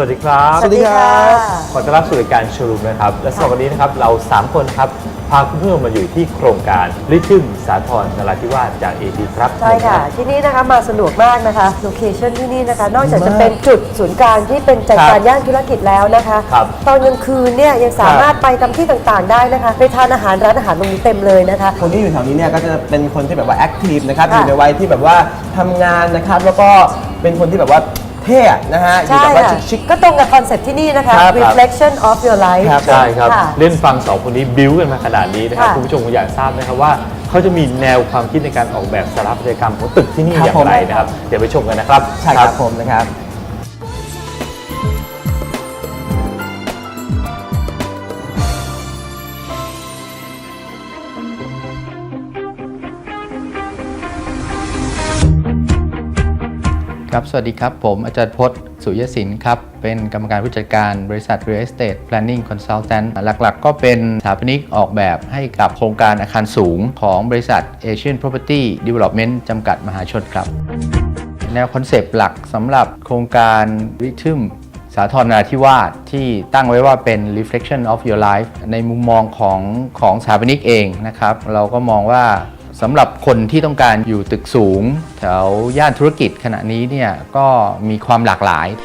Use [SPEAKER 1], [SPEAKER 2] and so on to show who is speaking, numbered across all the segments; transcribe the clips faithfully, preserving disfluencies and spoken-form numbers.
[SPEAKER 1] วัสดีครับ
[SPEAKER 2] สวัสดีครับ
[SPEAKER 1] ขอต้อนรับสู่รายการโชว์รูมนะครับและสำหรับวันนี้นะครับเราสามคนครับพาคุณผู้ชมมาอยู่ที่โครงการลิทึมสาทรนราธิวาสจาก เอ พี ครับ
[SPEAKER 2] ใช่ค่ะที่นี่นะคะมาสะดวกมากนะคะโลเคชั่นที่นี่นะคะนอกจากจะเป็นจุดศูนย์กลางที่เป็นใจกลางย่านธุรกิจแล้วนะคะตอนกลางคืนเนี่ยยังสามารถไปตามที่ต่างๆได้นะคะไปทานอาหารร้านอาหารตรงนี้เต็มเลยนะคะ
[SPEAKER 3] คนที่อยู่แถวนี้เนี่ยก็จะเป็นคนที่แบบว่าแอคทีฟนะครับอยู่ในวัยที่แบบว่าทำงานนะครับแล้วก็เป็นคนที่แบบว่าเท่นะฮะอยู่แบบว่าชิค
[SPEAKER 2] ๆก็ตรงกับคอนเซ็ปต์ที่นี่นะคะ reflection of your life
[SPEAKER 1] ใช่ครับเล่นฟังสองคนนี้บิ้วกันมาขนาดนี้นะครับคุณผู้ชมคงอยากทราบนะครับว่าเขาจะมีแนวความคิดในการออกแบบสถาปัตยกรรมของตึกที่นี่อย่างไรนะครับเดี๋ยวไปชมกันนะครับ
[SPEAKER 3] ใช่ครับผมนะครับ
[SPEAKER 4] ครับสวัสดีครับผมอาจารย์พจน์สุยศิลป์ครับเป็นกรรมการผู้จัดการบริษัท Real Estate Planning Consultant หลักๆก็เป็นสถาปนิกออกแบบให้กับโครงการอาคารสูงของบริษัท Asian Property Development จำกัดมหาชนครับแนวคอนเซปต์หลักสำหรับโครงการริทึมสาทรนราธิวาสที่ตั้งไว้ว่าเป็น reflection of your life ในมุมมองของของสถาปนิกเองนะครับเราก็มองว่าสำหรับคนที่ต้องการอยู่ตึกสูงแถวย่านธุรกิจขณะนี้เนี่ยก็มีความหลากหลาย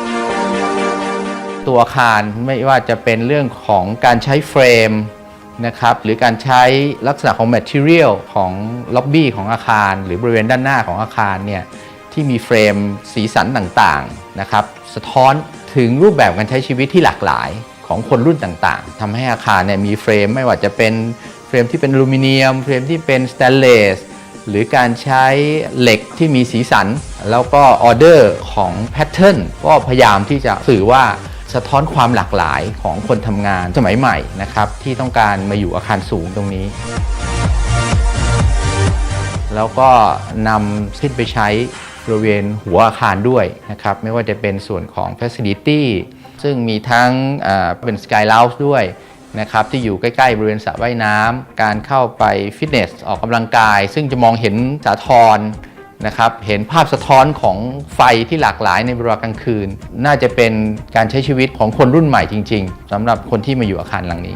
[SPEAKER 4] ตัวอาคารไม่ว่าจะเป็นเรื่องของการใช้เฟรมนะครับหรือการใช้ลักษณะของ material ของล็อบบี้ของอาคารหรือบริเวณด้านหน้าของอาคารเนี่ยที่มีเฟรมสีสันต่างๆนะครับสะท้อนถึงรูปแบบการใช้ชีวิตที่หลากหลายของคนรุ่นต่างๆทำให้อาคารเนี่ยมีเฟรมไม่ว่าจะเป็นเฟรมที่เป็นอลูมิเนียมเฟรมที่เป็นสแตนเลสหรือการใช้เหล็กที่มีสีสันแล้วก็ออเดอร์ของแพทเทิร์นก็พยายามที่จะสื่อว่าสะท้อนความหลากหลายของคนทำงานสมัยใหม่นะครับที่ต้องการมาอยู่อาคารสูงตรงนี้แล้วก็นำขึ้นไปใช้บริเวณหัวอาคารด้วยนะครับไม่ว่าจะเป็นส่วนของ Facility ซึ่งมีทั้งเป็น Sky Lounge ด้วยนะครับที่อยู่ใกล้ๆบริเวณสระว่ายน้ำการเข้าไปฟิตเนสออกกำลังกายซึ่งจะมองเห็นสาทรนะครับเห็นภาพสะท้อนของไฟที่หลากหลายในเวลากลางคืนน่าจะเป็นการใช้ชีวิตของคนรุ่นใหม่จริงๆสำหรับคนที่มาอยู่อาคารหลังนี้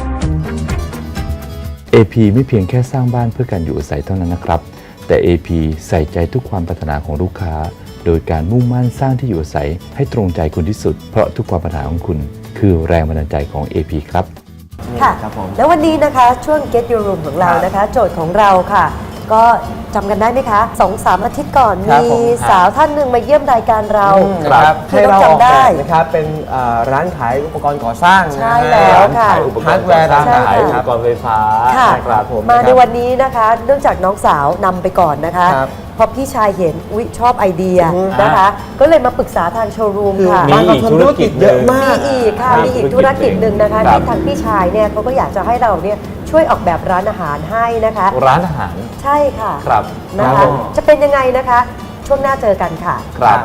[SPEAKER 1] เอ พี ไม่เพียงแค่สร้างบ้านเพื่อการอยู่อาศัยเท่านั้นนะครับแต่ เอ พี ใส่ใจทุกความปรารถนาของลูกค้าโดยการมุ่งมั่นสร้างที่อยู่อาศัยให้ตรงใจคุณที่สุดเพราะทุกความปรารถนาของคุณคือแรงบันดาลใจของ เอ พี ครับ
[SPEAKER 2] ค่ะแล้ววันนี้นะคะช่วง Get Your Room ของเรานะคะโจทย์ของเราค่ะก็จำกันได้ไหมคะสองสามอาทิตย์ก่อนมีสาวท่านหนึ่งมาเยี่ยมรายการเรา
[SPEAKER 3] ให้เราออกแบบนะครับเป็นร้านขายอุปกรณ์ก่อสร้าง
[SPEAKER 2] ใช่แล้วค่ะ
[SPEAKER 3] ฮาร์ดแวร์ร้านขาย
[SPEAKER 1] อุปกรณ์ไฟฟ้า
[SPEAKER 2] ค่ะมาในวันนี้นะคะเนื่องจากน้องสาวนำไปก่อนนะคะพอพี่ชายเห็นอุ๊ยชอบไอเดียนะคะก็เลยมาปรึกษาทางโชว์รูมค่ะ
[SPEAKER 1] มีอีกธุรกิจเยอะมาก
[SPEAKER 2] มีอีกค่ะมีอีกธุรกิจหนึ่งนะคะที่ทางพี่ชายเนี่ยเขาก็อยากจะให้เราเนี่ยช่วยออกแบบร้านอาหารให้นะคะ
[SPEAKER 1] ร้านอาหาร
[SPEAKER 2] ใช่ค่ะ
[SPEAKER 1] ครับ
[SPEAKER 2] นะคะจะเป็นยังไงนะคะช่วงหน้าเจอกันค่ะ
[SPEAKER 1] ครับ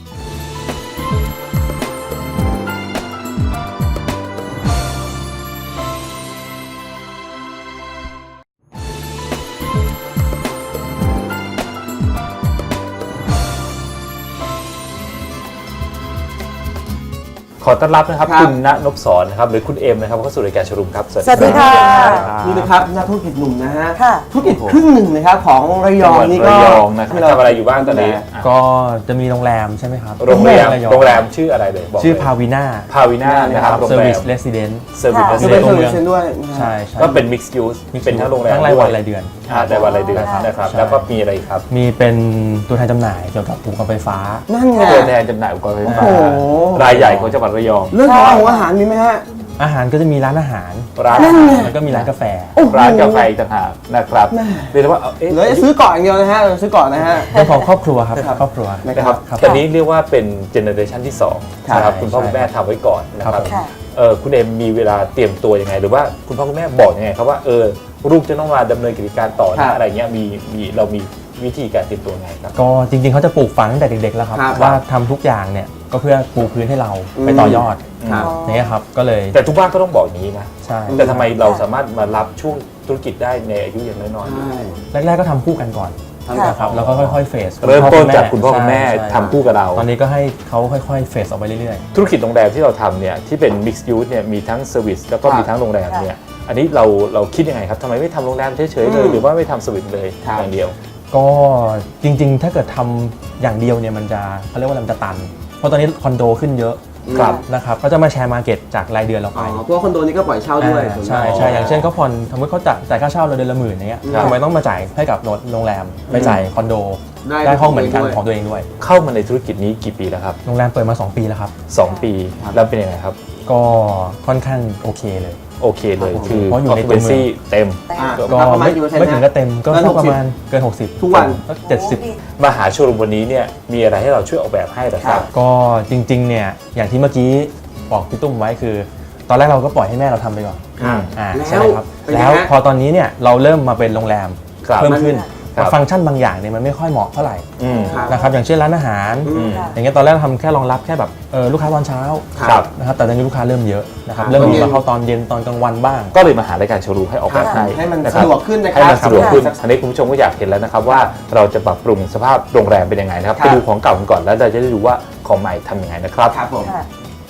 [SPEAKER 1] ขอต้อนรับนะครับคุณณนพศรนะครับหรือคุณเอ็มนะครับเข้าสู่รายการโชว์รูมครับ
[SPEAKER 2] สวัสดีค่ะ
[SPEAKER 3] นี่นะครับนักธุรกิจหนุ่มนะฮะธุรกิจครึ่งหนึ่งนะครับของระยองนี่ก็
[SPEAKER 1] ที่เราทำอะไรอยู่บ้างตอนนี้
[SPEAKER 5] ก็จะมีโรงแรมใช่ไหมครับ
[SPEAKER 1] โรงแรมโรงแรมชื่ออะไรเลย
[SPEAKER 5] ชื่อพาวิน่า
[SPEAKER 1] พาวิน่านะครับ
[SPEAKER 5] เซอร์วิสเรสซิเดนต์
[SPEAKER 1] เซอร์วิสเรสซิ
[SPEAKER 3] เดนต์ด้วย
[SPEAKER 5] ใช่
[SPEAKER 1] ก็เป็นมิกซ์ยูสเป็นทั้งโรงแรม
[SPEAKER 5] ทั้งรายวันรายเดือน
[SPEAKER 1] รายวันรายเดือนนะครับแล้วก็มีอะไรครับ
[SPEAKER 5] มีเป็นตัวแทนจำหน่ายเกี่ยวกับอุปกรณ์ไฟฟ้า
[SPEAKER 3] นั่นไง
[SPEAKER 1] ตัวแทนจำหน่ายอุปกรณ์ไฟฟ้ารายใหญ่ของจังหวัดระยอง
[SPEAKER 3] เรื่องของอาหารมีไหมฮะ
[SPEAKER 5] อาหารก็จะมีร้านอาหาร
[SPEAKER 1] ร้าน
[SPEAKER 5] แล้วก็มีร้านกาแฟ
[SPEAKER 1] ร้านกาแฟต่างหากนะครับเรียกว่า
[SPEAKER 3] เดี๋ยวซื้อก่อนอย่างเดียวนะฮะซื้อก่อนนะฮะ
[SPEAKER 5] เป็นของครอบครัวครับครอบครัว
[SPEAKER 1] นะครับตอนนี้เรียกว่าเป็นเจเนอเรชันที่สองนะครับคุณพ่อคุณแม่ทำไว้ก่อนนะครับคุณเอ็มมีเวลาเตรียมตัวยังไงหรือว่าคุณพ่อคุณแม่บอกยังไงครับว่าเออลูกจะต้องมาดำเนินกิจการต่อนะอะไรเงี้ยมีมีเรามีวิธีการเตรียมตัวไงครับ
[SPEAKER 5] ก็จริงๆเขาจะปลูกฝังตั้งแต่เด็กๆแล้วครับว่าทำทุกอย่างเนี่ยก็เพื่อปูพื้นให้เราไปต่อยอดนี่ครับก็เลย
[SPEAKER 1] แต่ทุกบ้านก็ต้องบอกอย่างนี้นะใช่แต่ทำไมเราสามารถมารับช่วงธุรกิจได้ในอายุยังน้อย
[SPEAKER 5] ๆแรกๆก็ทำคู่กันก่อนทนะครับแล้วก็ค่อยๆเฟส
[SPEAKER 1] เริ่มต้นจากคุณพ่อคุณแม่
[SPEAKER 5] ใช่ใช่
[SPEAKER 1] ทำคู่กับเรา
[SPEAKER 5] ตอนนี้ก็ให้เขาค่อยๆเฟสออกไปเรื่อย
[SPEAKER 1] ธุรกิจโรงแรมที่เราทำเนี่ยที่เป็น mixed use เนี่ยมีทั้งเซอร์วิสแล้วก็
[SPEAKER 3] ครับ
[SPEAKER 1] มีทั้งโรงแรมเนี่ยอันนี้เราเราคิดยังไงครับทำไมไม่ทำโรงแรมเฉยๆเลย
[SPEAKER 3] อืม
[SPEAKER 1] หรือว่าไม่ทำเซอร์วิสเลย
[SPEAKER 3] ครับ
[SPEAKER 1] อย่างเดียว
[SPEAKER 5] ๆ ก็จริงๆ ถ้าเกิดทำอย่างเดียวเนี่ยมันจะเขาเรียกว่าอะไรมันจะตัน เพราะตอนนี้คอนโดขึ้นเยอะ
[SPEAKER 3] ครับ
[SPEAKER 5] นะครับก็จะมาแชร์มาร์เก็ตจากรายเดือนเรา
[SPEAKER 3] อ๋
[SPEAKER 5] ไป
[SPEAKER 3] อเพราะว่าคอนโดนี้ก็ปล่อยเช่าด้วย
[SPEAKER 5] อ่า
[SPEAKER 3] ส่วน
[SPEAKER 5] ใช่
[SPEAKER 3] มาก
[SPEAKER 5] ใช่อย่างเช่นเขาผ่อนสมมติเขาจ่ายจ่ายค่าเช่าเราเดือนละหมื่นอย่างเงี้ย
[SPEAKER 3] ครับ
[SPEAKER 5] ทำไมต้องมาจ่ายให้กับโรงแรมไปจ่ายคอนโด
[SPEAKER 3] ได้
[SPEAKER 5] ได้ห้องเหมือนกัน
[SPEAKER 3] ด้วย
[SPEAKER 5] ของตัวเองด้วย
[SPEAKER 1] เข้ามาในธุรกิจนี้กี่ปีแล้วครับ
[SPEAKER 5] โรงแรมเปิดมาสองปีแล้วครับ
[SPEAKER 1] สองปีแล้วเป็นยังไงครับ
[SPEAKER 5] ก็ค่อนข้างโอเคเลย
[SPEAKER 1] โอเคเลย
[SPEAKER 3] ครับผม
[SPEAKER 1] คือ
[SPEAKER 5] เพราะอยู่ในตัวเมือง
[SPEAKER 1] occupancy เต็ม
[SPEAKER 3] อ่า
[SPEAKER 5] ก็
[SPEAKER 3] ประมา
[SPEAKER 5] ไม่
[SPEAKER 3] ณกี่เปอร์เซ็นต์
[SPEAKER 5] ไม่ถึง
[SPEAKER 3] นะ
[SPEAKER 5] ก็เต็มก็
[SPEAKER 3] เกิน
[SPEAKER 5] สัก
[SPEAKER 3] หกสิบ
[SPEAKER 5] ประมาณเกิน หกสิบ
[SPEAKER 3] ทุกวัน
[SPEAKER 5] ก็เจ็ดสิบ
[SPEAKER 1] มาหาโชว์รูมวันนี้เนี่ยมีอะไรให้เราช่วยออกแบบให้เหรอครับ
[SPEAKER 5] ก็จริงๆเนี่ยอย่างที่เมื่อกี้บอกพี่ตุ้มไว้คือ ตอนแรกเราก็ปล่อยให้แม่เราทำไปก่อน
[SPEAKER 1] อืม
[SPEAKER 5] อ่า
[SPEAKER 3] แล้ว
[SPEAKER 5] ใช่ไหมครับ
[SPEAKER 3] เป็นไง
[SPEAKER 5] แล้ว
[SPEAKER 3] ฮะ
[SPEAKER 5] พอตอนนี้เนี่ยเราเริ่มมาเป็นโรงแรม
[SPEAKER 1] ครับ
[SPEAKER 5] เพิ่มขึ้น
[SPEAKER 1] ครับ
[SPEAKER 5] ฟังก์ชันบางอย่างเนี่ยมันไม่ค่อยเหมาะเท่าไหร่
[SPEAKER 1] อืม
[SPEAKER 3] ครับ
[SPEAKER 5] นะครับอย่างเช่นร้านอาหาร
[SPEAKER 3] อืม
[SPEAKER 5] อย่างเงี้ยตอนแรกเราทำแค่รองรับแค่แบบเออลูกค้าตอนเช้า
[SPEAKER 1] ครับ
[SPEAKER 5] นะครับแต่ตอนนี้ลูกค้าเริ่มเยอะนะครับ
[SPEAKER 3] ครับ
[SPEAKER 5] เริ่มมี
[SPEAKER 3] ตอนเย็น
[SPEAKER 5] มาเข้าตอนเย็นตอนกลางวันบ้าง
[SPEAKER 1] ก็เลยมาหารายการโชว์รูมให้ออกแบบให้
[SPEAKER 3] ให้มัน
[SPEAKER 1] นะครั
[SPEAKER 3] สะดวกขึ้นนะค
[SPEAKER 1] ให้
[SPEAKER 3] รับ
[SPEAKER 1] มันสะดวกขึ้นอันนี้คุณผู้ชมก็อยากเห็นแล้วนะครับว่าเราจะปรับปรุงสภาพโรงแรมเป็นยังไงนะครับ
[SPEAKER 3] ครับ
[SPEAKER 1] ไปดูของเก่ากันก่อนแล้วเราจะได้ดูว่าของใหม่ทำยังไงนะครับ
[SPEAKER 3] ครับผม
[SPEAKER 2] ค่ะ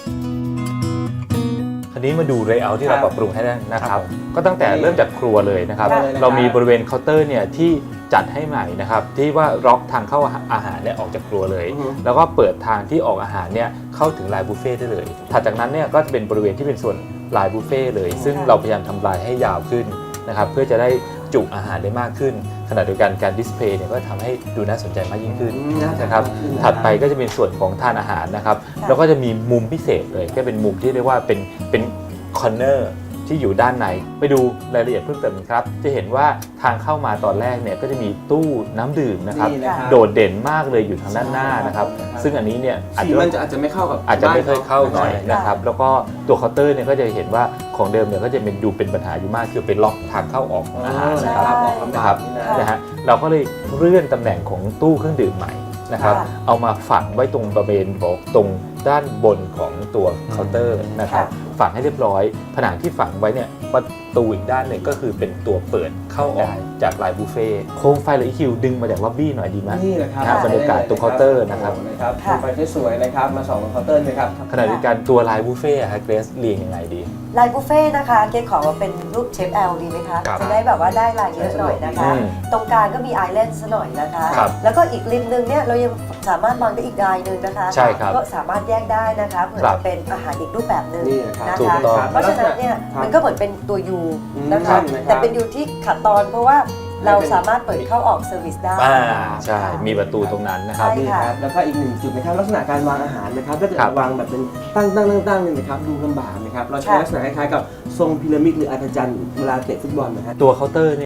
[SPEAKER 1] คราวนี้มาดูเลเยอร์ที่เรา
[SPEAKER 3] ครับ
[SPEAKER 1] ปรับปรุงให้ได้นะค
[SPEAKER 5] ครั
[SPEAKER 1] รั
[SPEAKER 5] บบ ผม
[SPEAKER 1] ก็ตั้งแต่เริ่มจากครัวเลยนะครับ
[SPEAKER 3] ได้เลยนะครับ
[SPEAKER 1] เรามีบริเวณเคาน์เตอร์เนี่ยที่จัดให้ใหม่นะครับที่ว่าล็อกทางเข้าอาหารเนี่ยออกจากครัวเลย
[SPEAKER 3] อือฮึ
[SPEAKER 1] แล้วก็เปิดทางที่ออกอาหารเนี่ยเข้าถึงลายบุฟเฟ่ต์ได้เลย ถัดจากนั้นเนี่ยก็จะเป็นบริเวณที่เป็นส่วนลายบุฟเฟ่ต์เลย ซึ่งเราพยายามทำลายให้ยาวขึ้นนะครับเพื่อจะได้จุอาหารได้มากขึ้น ขณะเดียวกันการดิสเพลย์เนี่ยก็ทำให้ดูน่าสนใจมากยิ่งขึ้น
[SPEAKER 3] อืมน่าสนใจ
[SPEAKER 1] นะครับ
[SPEAKER 3] มากขึ้น
[SPEAKER 1] ถัดไปก็จะเป็นส่วนของทานอาหารนะครับ แล้วก็จะมีมุมพิเศษเลยก็เป็นมุมที่เรียกว่าเป็นเป็นคอร์เนอร์ที่อยู่ด้านในไปดูรายละเอียดเพิ่มเติมกันครับ จะเห็นว่าทางเข้ามาตอนแรกเนี่ยก็จะมีตู้น้ำดื่มนะครับ
[SPEAKER 3] นี่นะครับ
[SPEAKER 1] โดดเด่นมากเลยอยู่ทางด้านหน้านะครับ ซึ่งอันนี้เนี่ยอาจ
[SPEAKER 3] สี
[SPEAKER 1] จะ
[SPEAKER 3] มันจะอาจจะไม่เข้ากับ
[SPEAKER 1] อาจจะไม่ค่อยเข้าหน่อย
[SPEAKER 3] ใช่
[SPEAKER 1] นะครับ แล้วก็ตัวเคาน์เตอร์เนี่ยก็จะเห็นว่าของเดิมเนี่ยก็จะเป็นดูเป็นปัญหาอยู่มากคือเป็นล็อกทางเข้าออกของอาหารนะครับ
[SPEAKER 3] ครับออกลำ
[SPEAKER 1] นะ
[SPEAKER 3] บา
[SPEAKER 1] ครั
[SPEAKER 3] ก
[SPEAKER 1] บ
[SPEAKER 3] นี่นะ
[SPEAKER 1] นะฮะเราก็เลยเลื่อนตำแหน่งของตู้เครื่องดื่มใหม่นะครับ
[SPEAKER 2] ค่ะ
[SPEAKER 1] เอามาฝังไว้ตรงบริเวณบอกตรงด้านบนของตัวเคาน์เตอร์นะครับ ฝังให้เรียบร้อย ผนังที่ฝังไว้เนี่ยประตูอีกด้านหนึ่งก็คือเป็นตัวเปิดเข้าออกจากลายบุฟเฟ่ต์โคมไฟหรือคิวดึงมาจากล็อบบี้หน่อยดีไหม
[SPEAKER 3] นี่แหละครับ
[SPEAKER 1] นะฮะบรรยากาศตรงเคาน์เตอร์นะครับ
[SPEAKER 3] นะครับ
[SPEAKER 2] ค่ะ
[SPEAKER 3] ไฟสวยๆนะครับมาส่องตรงเคาน์เตอร์นะครับ
[SPEAKER 1] ขณะเดียวกันตัวลายบุฟเฟ่ต์อะฮะเกรซเรียงยังไงดี
[SPEAKER 2] ลายบุฟเฟ่ต์นะคะเกดขอมาเป็นรูปเชฟแอลดีไหมคะ
[SPEAKER 1] ครับ
[SPEAKER 2] จะได้แบบว่าได้ลายเยอะหน่อยนะคะ
[SPEAKER 1] อืม
[SPEAKER 2] ตรงกลางก็มีไอแลนด์ซะหน่อยนะคะ
[SPEAKER 1] ครับ
[SPEAKER 2] แล้วก็อีกริมนึงเนี่ยเรายังสามารถวางได้อีกลายหนึ่งนะคะ
[SPEAKER 1] ใช่ครับ
[SPEAKER 2] ก็สามารถแยกได้นะคะเผื่อ
[SPEAKER 1] ครับ
[SPEAKER 2] จะเป็นอาหารอีกรูปแบบหนึ่ง
[SPEAKER 3] นี่นะครับ
[SPEAKER 2] นะ
[SPEAKER 1] ถูก
[SPEAKER 2] คะ
[SPEAKER 1] ต้อง
[SPEAKER 2] เพราะฉะนั้นเนี่ย
[SPEAKER 3] ครับ
[SPEAKER 2] มันก็เหมือนเป็นตัวยู
[SPEAKER 3] อืม
[SPEAKER 2] นะคะ
[SPEAKER 3] นะครับ
[SPEAKER 2] แต่เป็นยูที่ขัดตอนเพราะว่าเราสามารถเปิดเข้าออกเซอร์วิสได้
[SPEAKER 1] อ่าใช่
[SPEAKER 2] ค่ะ
[SPEAKER 1] มีประตูตรงนั้นนะครับ
[SPEAKER 2] ใช่
[SPEAKER 3] นี่ครับแล้วก็อีกหนึ่งจุดนะครับลักษณะการวางอาหารนะครับถ้าเกิด
[SPEAKER 1] ครับ
[SPEAKER 3] วางแบบเป็นตั้งตั้งตั้งตั้งเนี่ยนะครับดูลำบากนะครับเราใช้
[SPEAKER 2] ค่ะ
[SPEAKER 3] ลักษณะคล้ายๆกับทรงพีระมิดหรืออาจารย์เวลาเตะฟุตบอลนะฮะ
[SPEAKER 1] ตัวเคาน์เตอร์เนี่ย